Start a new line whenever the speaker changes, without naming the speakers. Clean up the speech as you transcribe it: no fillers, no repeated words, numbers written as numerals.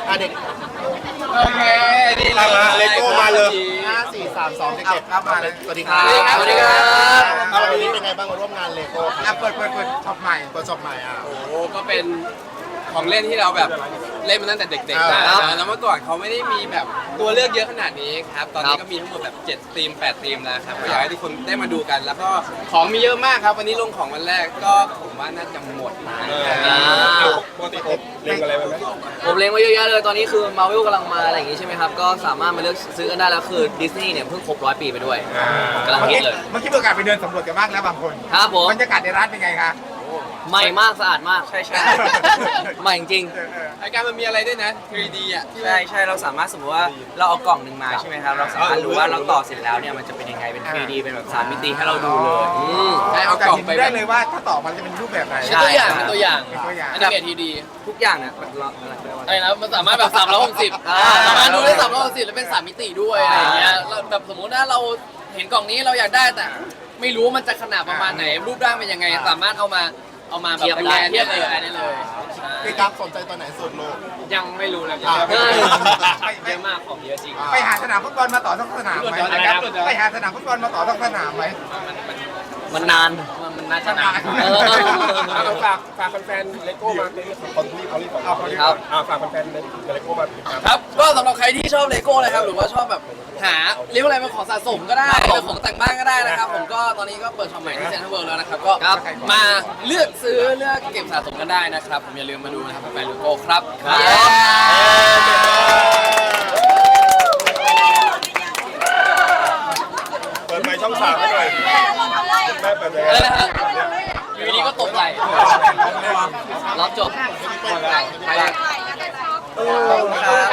เด็ก
โอเคนี่เรา
เลโก้มาเลย5 4 3 2เด็กๆครับมาเลยสวัสดีครับ
สวัสดีครับ
วันนี้เป็นไงบ้างมาร่วมงานเลโก้ครับเปิดช็อปใหม่
โอ้ก็เป็นของเล่นที่เราแบบเล่นมาตั้งแต่เด็กๆนะแล้วเมื่อก่อนเขาไม่ได้มีแบบตัวเลือกเยอะขนาดนี้ครับตอนนี้ก็มีทั้งหมดแบบ7ธีม8ธีมแล้วครับก็อยากให้ทุกคนได้มาดูกัน แล้วก็ของมีเยอะมากครับวันนี้ลงของวันแรกก็ผมว่าน่าจะหมดนะ
ปกติเล่นอะไรไหม
ผมเล็งไว้เยอะแยะเลยตอนนี้คือ Marvel กำลังมาอะไรอย่างงี้ใช่ไหมครับก็สามารถมาเลือกซื้อกันได้แล้วคือดิสนีย์เนี่ยเพิ่งครบ100 ปีไปด้วยกำลังฮิตเลย
เมื่อกี้ประกาศไปเดินสำรวจกันบ้างแล้วบางคน
ครับผม
บรรยากาศในร้านเป็นไงคะ
ใหม่มากสะอาดมาก
ใช่
ใหม่จริง
รายการมันมีอะไรด้วยนะ 3D อ่ะ
ใช่เราสามารถสมมติว่าเราเอากล่องหนึ่งมาใช่ไหมครับเราสามารถรู้ว่าเราต่อเสร็จแล้วเนี่ยมันจะเป็นยังไงเป็น 3D เป็นแบบ3 มิติให้เราดูเลย
ใช่เอากล่องไป
ได้เลยว่าถ้าต่อมันจะเป็นรูปแบบไหน
ใช่
เป็นตัวอย่าง
เป็นตัวอย่าง
อันนี้เกรดทีดี
ทุกอย่างเนี่ยเราอะไรเรียกว่า
อะไรนะมันสามารถแบบ360สามารถดูได้360แล้วเป็น3 มิติด้วยอะไรอย่างเงี้ยแล้วแบบสมมติว่าเราเห็นกล่องนี้เราอยากได้แต่ไม่รู้ว่ามันจะขนาดประมาณไหนรูปร่างเป็นยังไงสามารถเอามาแบบ
เทียบได้
เทียบเลยได้เลย
พี่กั๊กสนใจตัวไหนสุดลูก
ยังไม่รู้นะ
อ่า
เยอะมากของเยอะจริง
ไปหาสนามฟุตบอลมาต่อสักสนามไหม
อะไรครับ
ไปหาสนามฟุตบอลมาต่อสักสนามไหม
มันนาน
มันน่าจะนาน
ฝากแฟนๆเลโก้มาเป็นคนที่เขาเรียก
เอาคนที่
ครับ
ฝากแฟนๆเลโก้มา
ครับก็สำหรับใครที่ชอบเลโก้นะครับหรือว่าชอบแบบหาเรียกว่าอะไรเป็นของสะสมก็ได้เป็นของแต่งบ้านก็ได้นะครับผมก็ตอนนี้ก็เปิดช็อปใหม่ที่เซ็นทรัลเวิลด์แล้วนะครับก็มาเลือกซื้อเลือกเก็บสะสมกันได้นะครับผมอย่าลืมมาดูนะครับแฟนเลโก้ครับ
เปิดไมค์ช่อง3ให้หน่อยแม่เปิดเลย
อะไรนะฮะอยู่ดีก็ตกไหล
รับจบ
ไปเลย
ขอบคุณครับ